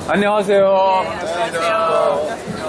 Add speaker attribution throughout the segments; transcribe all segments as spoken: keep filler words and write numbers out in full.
Speaker 1: 안녕하세요.
Speaker 2: 안녕하세요.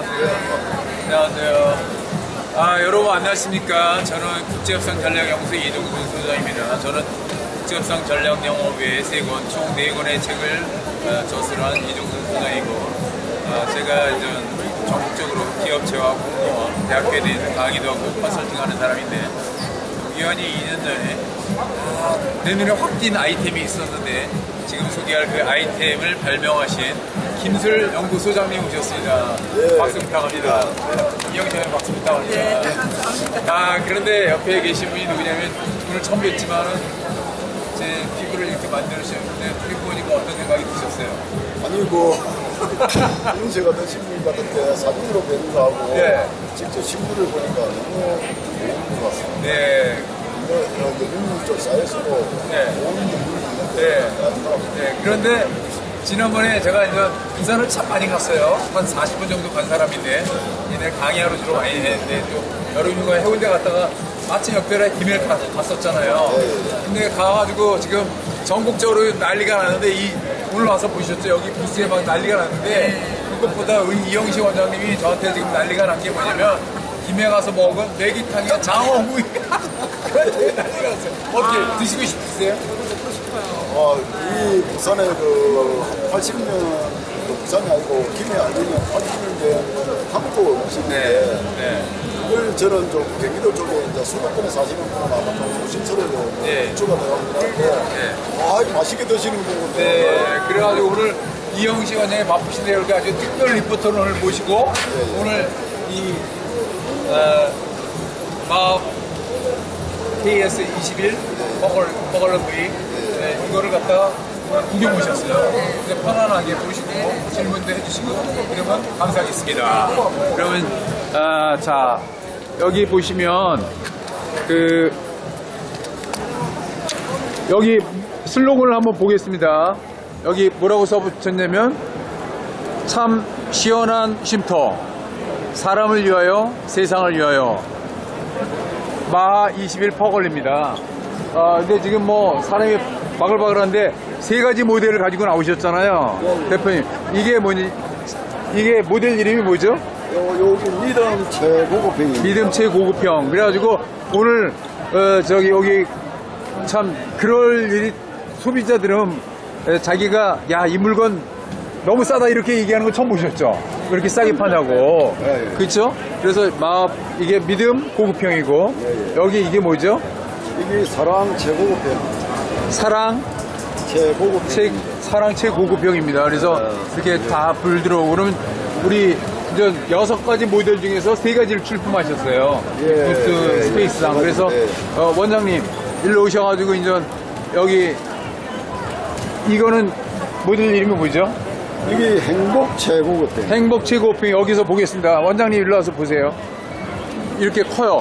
Speaker 1: 안녕하세요. 아, 여러분 안녕하십니까. 저는 국제협상 전략연구소 이동근 소장입니다. 저는 국제협상 전략영업의 세 권, 총 네 권의 책을 어, 저술한 이동근 소장이고, 어, 제가 이제 전국적으로 기업체와 공무원, 대학교에 대해서 강의도 하고 컨설팅하는 사람인데, 우연히 이 년 전에 어, 내 눈에 확 띈 아이템이 있었는데, 지금 소개할 그 아이템을 발명하신 김술 연구소장님 오셨습니다.
Speaker 2: 네.
Speaker 1: 박수 부탁합니다. 이영철 박수 부탁합니다.
Speaker 2: 네, 감사합니다.
Speaker 1: 아, 그런데 옆에 계신 분이 누구냐면 오늘 처음 뵀지만은 제 피부를 이렇게 만들으셨는데 피부 보니까 어떤 생각이 드셨어요?
Speaker 2: 아니 뭐 이문세 같은 신문 받을 때 사진으로 뵈는 거하고
Speaker 1: 네.
Speaker 2: 직접 신문을 보니까 너무 좋은 것 같습니다.
Speaker 1: 네.
Speaker 2: 눈물 좀 쌓여서
Speaker 1: 네.
Speaker 2: 좋은 눈물이
Speaker 1: 네.
Speaker 2: 있는데
Speaker 1: 네. 그런데 지난번에 제가 이제 부산을 참 많이 갔어요. 한 사십 분 정도 간 사람인데 얘네 강의하러 주로 많이 했는데 또 여름 휴가 해운대 갔다가 마침 역별에 김해를 가- 갔었잖아요. 근데 가가지고 지금 전국적으로 난리가 나는데 이 오늘 와서 보셨죠? 여기 부스에 막 난리가 났는데 그것보다 우리 이영식 원장님이 저한테 지금 난리가 난 게 뭐냐면 김해 가서 먹은 매기탕에 장어구이 그게 난리가 났어요. 어떻게 드시고 싶으세요?
Speaker 2: 아, 이 부산의 그 팔십 년 그 부산이 아니고 김해 아니면 팔십 년 된 한국 음식인데
Speaker 1: 네.
Speaker 2: 그걸 저는 좀 경기도 쪽에 이제 수도권에 사시는 분은 아마 좀 조심스러워
Speaker 1: 네.
Speaker 2: 주가 되어가지고
Speaker 1: 네.
Speaker 2: 아 맛있게 드시는 거군요.
Speaker 1: 네, 그래가지고 오늘 이영식 원장이 바쁘신데 이렇게 아주 특별 리포터를 오늘 모시고 오늘 이 어, 마업 케이에스 이십일 버걸 버걸러 부위 네, 이거를 갖다가 오늘 구경 오셨어요. 근데 편안하게 보시고 질문도 해주시고 그러면 감사하겠습니다. 그러면 아, 자 여기 보시면 그 여기 슬로건을 한번 보겠습니다. 여기 뭐라고 써붙였냐면 참 시원한 쉼터 사람을 위하여 세상을 위하여 마하 이십일 퍼걸입니다. 아, 근데 지금 뭐 사람이 바글바글한데 세 가지 모델을 가지고 나오셨잖아요.
Speaker 2: 네.
Speaker 1: 대표님 이게 뭐니? 이게 모델 이름이 뭐죠?
Speaker 2: 요, 여기 믿음 최고급형입니다.
Speaker 1: 믿음 최고급형. 그래가지고 오늘 어, 저기 여기 참 그럴 일이 소비자들은 에, 자기가 야 이 물건 너무 싸다 이렇게 얘기하는 거 처음 보셨죠? 그렇게 싸게 파냐고.
Speaker 2: 네, 네.
Speaker 1: 그렇죠? 그래서 막 이게 믿음 고급형이고
Speaker 2: 네, 네.
Speaker 1: 여기 이게 뭐죠?
Speaker 2: 이게 사랑 최고급형.
Speaker 1: 사랑
Speaker 2: 최고급형.
Speaker 1: 최 사랑 최고급형입니다. 그래서 이렇게 다 불 들어오고 그러면 우리 이제 여섯 가지 모델 중에서 세 가지를 출품하셨어요.
Speaker 2: 예,
Speaker 1: 부스
Speaker 2: 예, 예.
Speaker 1: 스페이스상. 그래서
Speaker 2: 예.
Speaker 1: 어, 원장님 일로 오셔가지고 이제 여기 이거는 모델 이름이 뭐죠?
Speaker 2: 이게 행복 최고급형.
Speaker 1: 행복 최고급형 여기서 보겠습니다. 원장님 일로 와서 보세요. 이렇게 커요.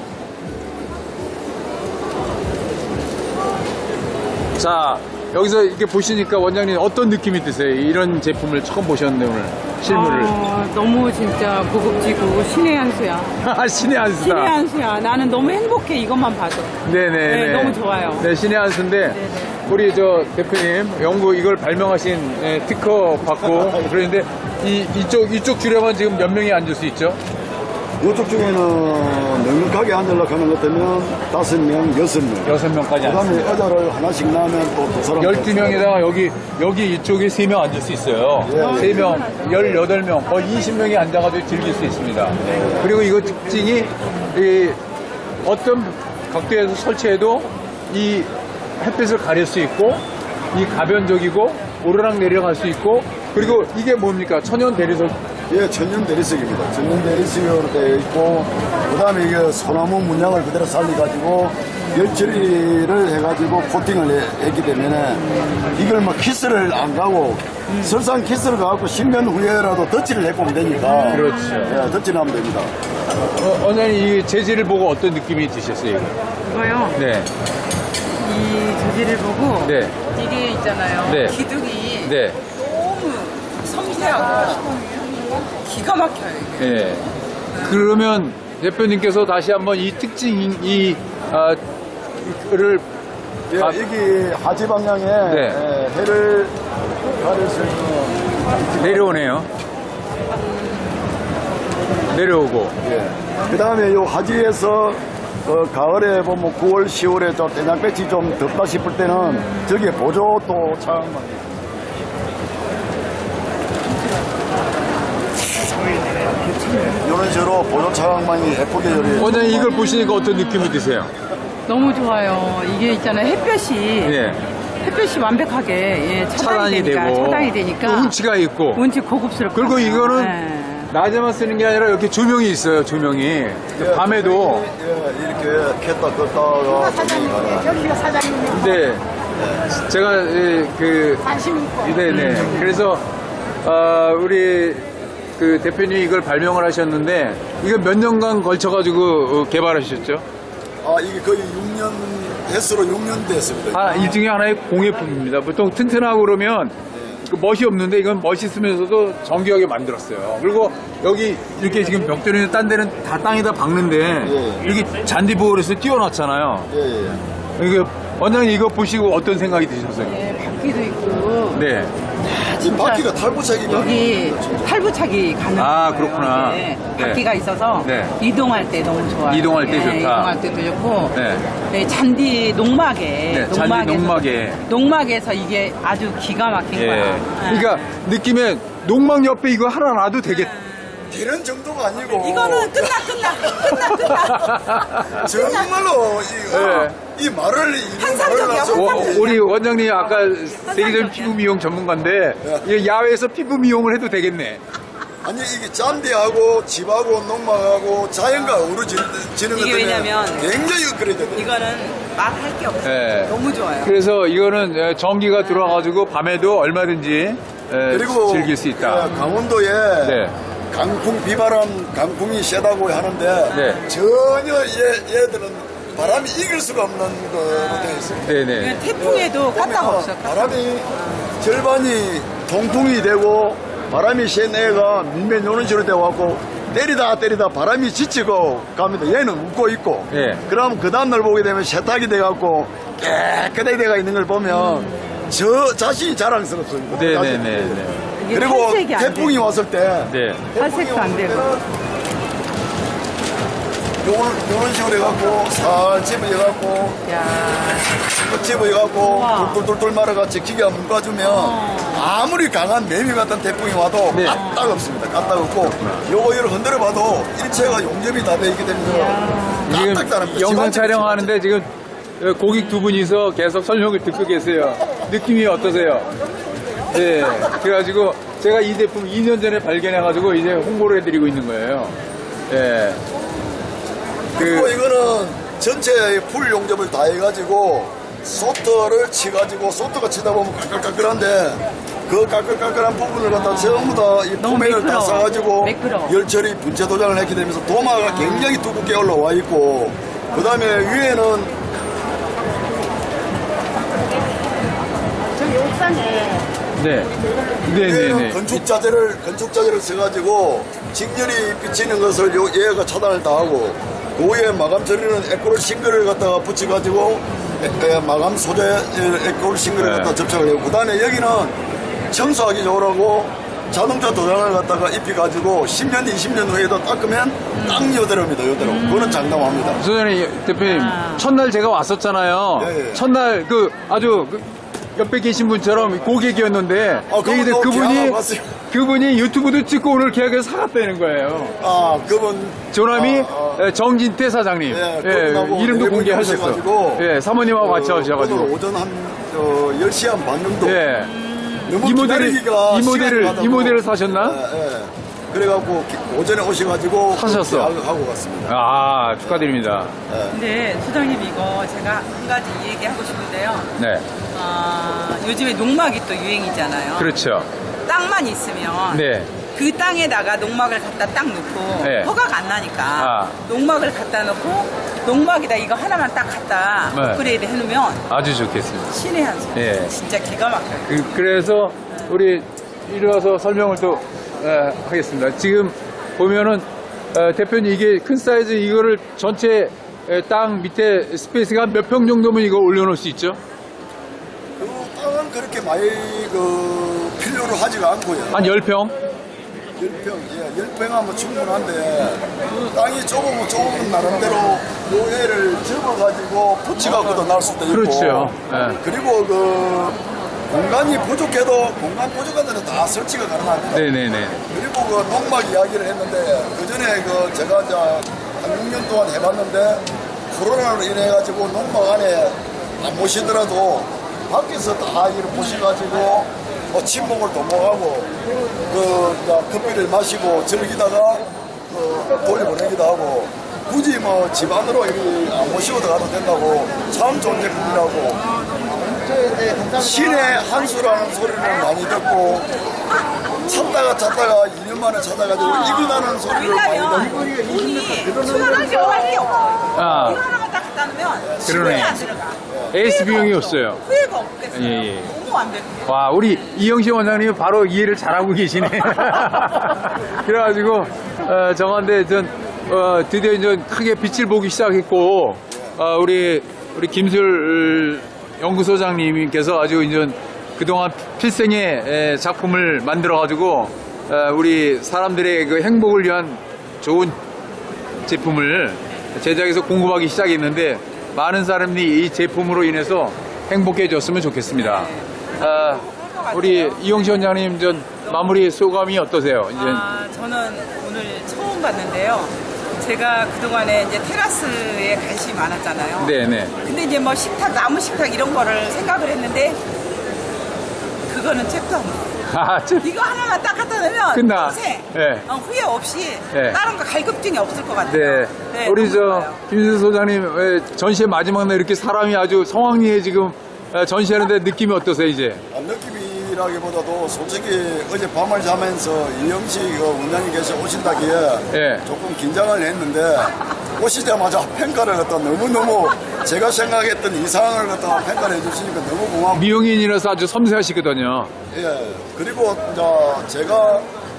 Speaker 1: 자 여기서 이렇게 보시니까 원장님 어떤 느낌이 드세요? 이런 제품을 처음 보셨는데 오늘 실물을.
Speaker 3: 어, 너무 진짜 고급지고 신의 한 수야.
Speaker 1: 신의 한 수다.
Speaker 3: 신의 한 수야. 나는 너무 행복해 이것만 봐도.
Speaker 1: 네네.
Speaker 3: 네, 너무 좋아요.
Speaker 1: 네, 신의 한 수인데 우리 저 대표님 연구 이걸 발명하신 예, 특허 받고 그러는데 이 이쪽 이쪽 줄에만 지금 몇 명이 앉을 수 있죠?
Speaker 2: 이쪽 중에는 넉넉하게 앉으려고 하는 것 같으면 다섯 명, 여섯 명.
Speaker 1: 여섯 명까지
Speaker 2: 그 다음에
Speaker 1: 앉습니다.
Speaker 2: 의자를 하나씩 나면 또 두 사람.
Speaker 1: 열두 명에다가 여기 여기 이쪽에 세 명 앉을 수 있어요.
Speaker 2: 예, 예.
Speaker 1: 세 명, 열여덟 명, 거의 이십 명이 앉아가지고 즐길 수 있습니다. 그리고 이거 특징이 이 어떤 각도에서 설치해도 이 햇빛을 가릴 수 있고 이 가변적이고 오르락 내리락 할 수 있고 그리고 이게 뭡니까? 천연 대리석.
Speaker 2: 예, 천연 대리석입니다. 천연 대리석으로 되어 있고, 그 다음에 이게 소나무 문양을 그대로 살려가지고, 열 처리를 해가지고 코팅을 해- 했기 때문에, 이걸 막 키스를 안 가고, 설상 키스를 가고 십 년 후에라도 덧칠을 해보면 되니까.
Speaker 1: 그렇죠.
Speaker 2: 예, 덧칠하면 됩니다.
Speaker 1: 어, 원장님 이 재질을 보고 어떤 느낌이 드셨어요? 이거?
Speaker 3: 이거요.
Speaker 1: 네,
Speaker 3: 이 재질을 보고
Speaker 1: 네,
Speaker 3: 이게 있잖아요.
Speaker 1: 네.
Speaker 3: 기둥이
Speaker 1: 네,
Speaker 3: 너무 섬세하고 기가 막혀요. 이게.
Speaker 1: 네. 그러면 대표님께서 다시 한번 이 특징 이 아, 를
Speaker 2: 예,
Speaker 1: 아,
Speaker 2: 여기 하지 방향에
Speaker 1: 네.
Speaker 2: 예, 해를 가릴 수 있는
Speaker 1: 내려오네요. 내려오고.
Speaker 2: 예. 그 다음에 요 하지에서 어, 가을에 보면 구월, 시월에 저 대장볕이 좀 덥다 싶을 때는 저기에 보조 또 차량만. 이런 식으로 보조 차량만이 예쁘게 요리.
Speaker 1: 원장님 이걸 보시니까 어떤 느낌이 드세요?
Speaker 3: 너무 좋아요. 이게 있잖아요. 햇볕이
Speaker 1: 예.
Speaker 3: 햇볕이 완벽하게 예, 차단이,
Speaker 1: 차단이
Speaker 3: 되니까,
Speaker 1: 되고
Speaker 3: 차단이 되니까
Speaker 1: 또 운치가 있고
Speaker 3: 운치 고급스럽고
Speaker 1: 그리고 이거는
Speaker 3: 네.
Speaker 1: 낮에만 쓰는 게 아니라 이렇게 조명이 있어요. 조명이
Speaker 2: 예,
Speaker 1: 밤에도.
Speaker 2: 예, 이렇게 켰다 껐다가
Speaker 1: 근데 제가 예, 그 네네. 그래서 어, 우리 그 대표님이 이걸 발명을 하셨는데 이거 몇 년간 걸쳐가지고 개발하셨죠?
Speaker 2: 아 이게 거의 육 년 횟수로 육 년 됐습니다.
Speaker 1: 아, 이 중에 하나의 공예품입니다. 보통 튼튼하고 그러면 그 멋이 없는데 이건 멋있으면서도 정교하게 만들었어요. 그리고 여기 이렇게 지금 벽돌이나 딴 데는 다 땅에다 박는데
Speaker 2: 예.
Speaker 1: 이렇게 잔디보호해서 띄워놨잖아요.
Speaker 2: 예, 예.
Speaker 1: 이게 원장님 이거 보시고 어떤 생각이 드셨어요?
Speaker 3: 예, 바퀴도 있고
Speaker 1: 네.
Speaker 2: 이 바퀴가 탈부착이가
Speaker 3: 여기 탈부착이 가능해요.
Speaker 1: 아, 그렇구나.
Speaker 3: 네.
Speaker 1: 네.
Speaker 3: 바퀴가 있어서
Speaker 1: 네.
Speaker 3: 이동할 때 너무 좋아요.
Speaker 1: 이동할 때
Speaker 3: 예,
Speaker 1: 좋다.
Speaker 3: 이동할 때도 좋고
Speaker 1: 네.
Speaker 3: 네, 잔디 농막에
Speaker 1: 네, 잔디 농막에.
Speaker 3: 농막에서 이게 아주 기가 막힌
Speaker 1: 예.
Speaker 3: 거야.
Speaker 1: 그러니까 느낌에 농막 옆에 이거 하나 놔도 되겠.
Speaker 2: 되는 정도가 아니고
Speaker 3: 이거는 끝나 끝나 끝나 끝나.
Speaker 2: 정말로 이,
Speaker 1: 네.
Speaker 2: 이 말을 이 말을
Speaker 3: 환상적이야,
Speaker 2: 놔서
Speaker 1: 어, 우리 원장님 아까 세계적인 피부 미용 전문가인데 이 야외에서 피부 미용을 해도 되겠네.
Speaker 2: 아니 이게 잔디하고 집하고 농막하고 자연과 어우러지는
Speaker 3: 이게
Speaker 2: 것 때문에
Speaker 3: 왜냐면
Speaker 2: 굉장히 업그레이드 돼요.
Speaker 3: 이거는 말할 게 없어요.
Speaker 1: 예.
Speaker 3: 너무 좋아요.
Speaker 1: 그래서 이거는 에, 전기가 들어와가지고 밤에도 얼마든지 에,
Speaker 2: 그리고
Speaker 1: 즐길 수 있다.
Speaker 2: 그 강원도에
Speaker 1: 네.
Speaker 2: 강풍 비바람 강풍이 세다고 하는데
Speaker 1: 네.
Speaker 2: 전혀 얘, 얘들은 바람이 이길 수가 없는 거로 되어 있습니다.
Speaker 1: 네네.
Speaker 3: 이건 태풍에도 까딱 없어. 까딱.
Speaker 2: 바람이 절반이 통풍이 되고 바람이 센 애가 밀면 요런 식으로 되어갖고 때리다 때리다 바람이 지치고 갑니다. 얘는 웃고 있고.
Speaker 1: 예.
Speaker 2: 그럼 그 다음날 보게 되면 세탁이 돼갖고 깨끗하게 돼가 있는 걸 보면 저 자신이 자랑스럽습니다.
Speaker 1: 네네네.
Speaker 3: 이게
Speaker 2: 그리고
Speaker 3: 탈색이 안
Speaker 2: 태풍이
Speaker 3: 돼요.
Speaker 2: 왔을 때
Speaker 1: 네.
Speaker 3: 탈색도 안 되고.
Speaker 2: 요런, 요런 식으로 해갖고 살 집어해갖고
Speaker 3: 야.
Speaker 2: 집어해갖고
Speaker 3: 우와.
Speaker 2: 돌돌돌돌 말아같이 기가 묶어주면 아무리 강한 매미 같은 태풍이 와도
Speaker 1: 네.
Speaker 2: 까딱 없습니다. 까딱 없고 요거 이를 흔들어봐도 일체가 용접이 다 돼 있기 때문에
Speaker 1: 지금
Speaker 2: 까딱 다릅니다.
Speaker 1: 영상
Speaker 2: 집안
Speaker 1: 촬영하는데 지금 고객 두 분이서 계속 설명을 듣고 계세요. 느낌이 어떠세요? 네. 그래가지고 제가 이 제품 이 년 전에 발견해가지고 이제 홍보를 해드리고 있는 거예요. 예.
Speaker 2: 그리고
Speaker 1: 그,
Speaker 2: 이거는 전체 풀 용접을 다 해가지고 소트를 치가지고 소트가 치다 보면 까끌까끌한데 그 까끌까끌한 부분을 갖다 전부 다이
Speaker 3: 너무
Speaker 2: 포맨을 다
Speaker 3: 매끄러워.
Speaker 2: 싸가지고
Speaker 3: 매끄러워.
Speaker 2: 열처리 분체 도장을 했게 되면서 도마가 굉장히 두껍게 올라와 있고 그 다음에 위에는
Speaker 4: 저기 옥상에
Speaker 1: 네.
Speaker 2: 위에는
Speaker 1: 네네네.
Speaker 2: 건축 자재를 건축 자재를 써가지고 직렬이 비치는 것을 요 얘가 차단을 다 하고 그 위에 마감 처리는 에코롤 싱글을 갖다가 붙여가지고 에, 에, 마감 소재 에, 에코롤 싱글을
Speaker 1: 네.
Speaker 2: 갖다 접착을 해요. 그 다음에 여기는 청소하기 좋으라고 자동차 도장을 갖다가 입혀가지고 십 년, 이십 년 후에도 닦으면 딱 요대로입니다. 요대로. 그거는 장담합니다.
Speaker 1: 소장님 대표님
Speaker 3: 아.
Speaker 1: 첫날 제가 왔었잖아요.
Speaker 2: 예, 예.
Speaker 1: 첫날 그 아주 그 옆에 계신 분처럼 고객이었는데
Speaker 2: 아, 그분
Speaker 1: 얘기들
Speaker 2: 또
Speaker 1: 그분이
Speaker 2: 계약하고 왔어요.
Speaker 1: 그분이 유튜브도 찍고 오늘 계약해서 사갔다는 거예요.
Speaker 2: 아, 그분.
Speaker 1: 조남이
Speaker 2: 아, 아.
Speaker 1: 에, 정진태 사장님.
Speaker 2: 예,
Speaker 1: 예,
Speaker 2: 그분하고
Speaker 1: 이름도
Speaker 2: 네 분이
Speaker 1: 공개하셨어.
Speaker 2: 오셔가지고
Speaker 1: 예, 사모님하고 같이
Speaker 2: 어,
Speaker 1: 오셔가지고.
Speaker 2: 오늘 오전 한 어, 열 시 한 반 정도.
Speaker 1: 예.
Speaker 2: 너무
Speaker 1: 이 모델을
Speaker 2: 기다리기가
Speaker 1: 이 모델을
Speaker 2: 시간이 가다고.
Speaker 1: 이 모델을 사셨나?
Speaker 2: 예, 예. 그래갖고 기- 오전에 오셔가지고
Speaker 1: 사셨어.
Speaker 2: 그렇게 하고 갔습니다.
Speaker 1: 아, 축하드립니다.
Speaker 3: 근데 소장님 이거 제가 한 가지 얘기하고 싶은데요.
Speaker 1: 네.
Speaker 3: 아, 요즘에 농막이 또 유행이잖아요.
Speaker 1: 그렇죠.
Speaker 3: 땅만 있으면
Speaker 1: 네.
Speaker 3: 그 땅에다가 농막을 갖다 딱 놓고
Speaker 1: 네.
Speaker 3: 허가가 안 나니까
Speaker 1: 아.
Speaker 3: 농막을 갖다 놓고 농막에다 이거 하나만 딱 갖다
Speaker 1: 네.
Speaker 3: 업그레이드 해놓으면
Speaker 1: 아주 좋겠습니다.
Speaker 3: 신의 한 수.
Speaker 1: 예.
Speaker 3: 진짜 기가 막혀요.
Speaker 1: 그, 그래서 우리 이리 와서 설명을 또 에, 하겠습니다. 지금 보면은 에, 대표님 이게 큰 사이즈 이거를 전체 에, 땅 밑에 스페이스가 몇 평 정도면 이거 올려놓을 수 있죠?
Speaker 2: 그 땅은 그렇게 많이 그 필요로 하지가 않고요.
Speaker 1: 한 열 평?
Speaker 2: 열 평, 예, 열 평 하면 충분한데 땅이 좁으면 좁은 나름대로 모래를 접어가지고 붙여갖고도 날 수도 있고.
Speaker 1: 그렇죠. 예.
Speaker 2: 그리고 그 공간이 부족해도 공간 부족한 데는 다 설치가 가능합니다.
Speaker 1: 네네네.
Speaker 2: 그리고 그 농막 이야기를 했는데 그 전에 그 제가 이제 한 육 년 동안 해봤는데 코로나로 인해가지고 농막 안에 안 모시더라도 밖에서 다 이렇게 모셔가지고 뭐 친목을 도모하고 그 이제 커피를 마시고 즐기다가 그 돌려보내기도 하고 굳이 뭐 집안으로 이렇게 안 모시고도 가도 된다고 참 좋은 제품이라고 신의 한수라는 소리를 많이 듣고 찾다가 찾다가 이 년 만에 찾아가지고 이근하는 소리를 많이 듣고
Speaker 3: 수혈하지 않을게요.
Speaker 1: 아.
Speaker 3: 이거 하나만 딱 갖다 놓으면
Speaker 1: 그러네.
Speaker 3: 신이 안 들어가.
Speaker 1: 에이스 비용이 없어요.
Speaker 3: 후회가 없겠어요.
Speaker 1: 예, 예.
Speaker 3: 너무 완벽해.
Speaker 1: 와, 우리 이영식 원장님이 바로 이해를 잘하고 계시네. 그래가지고, 어, 정한데, 전, 어, 드디어 이제 크게 빛을 보기 시작했고, 어, 우리, 우리 김술 연구소장님께서 아주 이제 그동안 필생의 에, 작품을 만들어가지고, 어, 우리 사람들의 그 행복을 위한 좋은 제품을 제작해서 공급하기 시작했는데, 많은 사람들이 이 제품으로 인해서 행복해졌으면 좋겠습니다. 아, 우리 이용시 원장님 전 마무리 소감이 어떠세요? 이제
Speaker 3: 아, 저는 오늘 처음 봤는데요. 제가 그동안에 이제 테라스에 관심이 많았잖아요.
Speaker 1: 네네.
Speaker 3: 근데 이제 뭐 식탁, 나무 식탁 이런 거를 생각을 했는데 그거는 책도 안 봐.
Speaker 1: 아, 참.
Speaker 3: 이거 하나만 딱 갖다 놓으면
Speaker 1: 끝나.
Speaker 3: 평생
Speaker 1: 네.
Speaker 3: 어, 후회 없이
Speaker 1: 네.
Speaker 3: 다른 거 갈급증이 없을 것 같아요.
Speaker 1: 네. 우리
Speaker 3: 너무
Speaker 1: 저
Speaker 3: 좋아요.
Speaker 1: 김수 소장님 에, 전시회 마지막 날 이렇게 사람이 아주 성황리에 지금 에, 전시하는데 느낌이 어떠세요 이제?
Speaker 2: 아, 느낌이라기보다도 솔직히 어제 밤을 자면서 이영식 그 원장님께서 오신다기에
Speaker 1: 예.
Speaker 2: 조금 긴장을 했는데 오시자마자 평가를 갖다 너무너무 제가 생각했던 이상을 갖다 평가를 해주시니까 너무 고맙고
Speaker 1: 미용인이라서 아주 섬세하시거든요.
Speaker 2: 예 그리고 이제 제가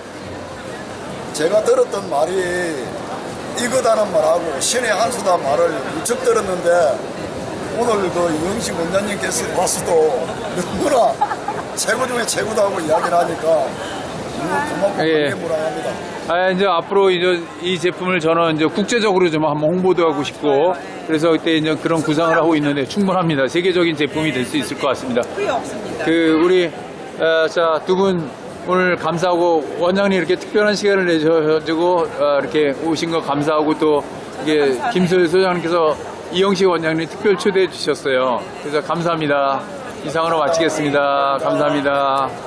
Speaker 2: 제가 들었던 말이 이거다는 말하고 신의 한수다 말을 무척 들었는데 오늘 그 이영식 원장님께서 와서도 너무나 최고 중에 최고다고 이야기를 하니까 너무 고맙고
Speaker 1: 예.
Speaker 2: 감개무량합니다.
Speaker 1: 아, 이제 앞으로 이제 이 제품을 저는 이제 국제적으로 좀 한번 홍보도 하고 싶고 그래서 그때 이제 그런 구상을 하고 있는데 충분합니다. 세계적인 제품이 될 수 있을 것 같습니다.
Speaker 3: 후회 없습니다.
Speaker 1: 그 우리 어, 자, 두 분 오늘 감사하고 원장님 이렇게 특별한 시간을 내셔가지고 어, 이렇게 오신 거 감사하고 또 이게
Speaker 3: 감사하네요.
Speaker 1: 김소희 소장님께서 이영식 원장님 특별 초대해 주셨어요. 그래서 감사합니다. 이상으로 마치겠습니다. 감사합니다.